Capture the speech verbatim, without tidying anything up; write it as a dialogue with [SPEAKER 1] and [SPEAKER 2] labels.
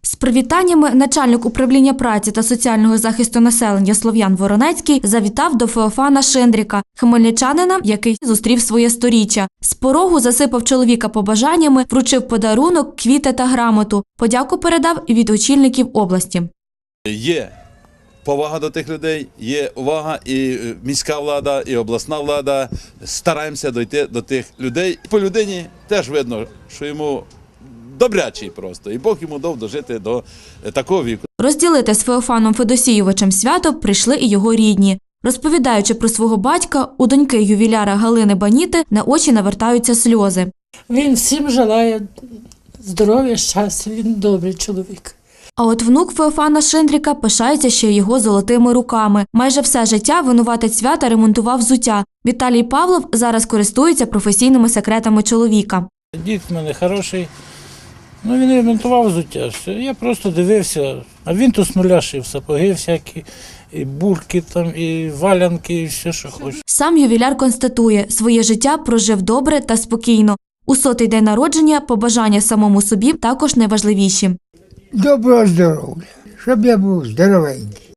[SPEAKER 1] З привітаннями начальник управління праці та соціального захисту населення Слов'ян Воронецький завітав до Феофана Шиндріка, хмельничанина, який зустрів своє сторіччя. З порогу засипав чоловіка побажаннями, вручив подарунок, квіти та грамоту. Подяку передав і від очільників області.
[SPEAKER 2] Є повага до тих людей, є увага, і міська влада, і обласна влада. Стараємося дійти до тих людей. По людині теж видно, що йому добрячий просто, і Бог йому дав дожити до такого віку.
[SPEAKER 1] Розділити з Феофаном Федосійовичем свято прийшли і його рідні. Розповідаючи про свого батька, у доньки ювіляра Галини Баніти на очі навертаються сльози.
[SPEAKER 3] Він всім желає здоров'я, щастя, він добрий чоловік.
[SPEAKER 1] А от внук Феофана Шиндріка пишається ще його золотими руками. Майже все життя винуватець свята ремонтував взуття. Віталій Павлов зараз користується професійними секретами чоловіка.
[SPEAKER 4] Дід в мене хороший, ну він ремонтував взуття, все. Я просто дивився, а він то з нуля шив сапоги всякі, і бурки там, і валянки, і все, що хоче.
[SPEAKER 1] Сам ювіляр констатує, своє життя прожив добре та спокійно. У сотий день народження побажання самому собі також найважливіші.
[SPEAKER 5] Доброго здоров'я, щоб я був здоровенький.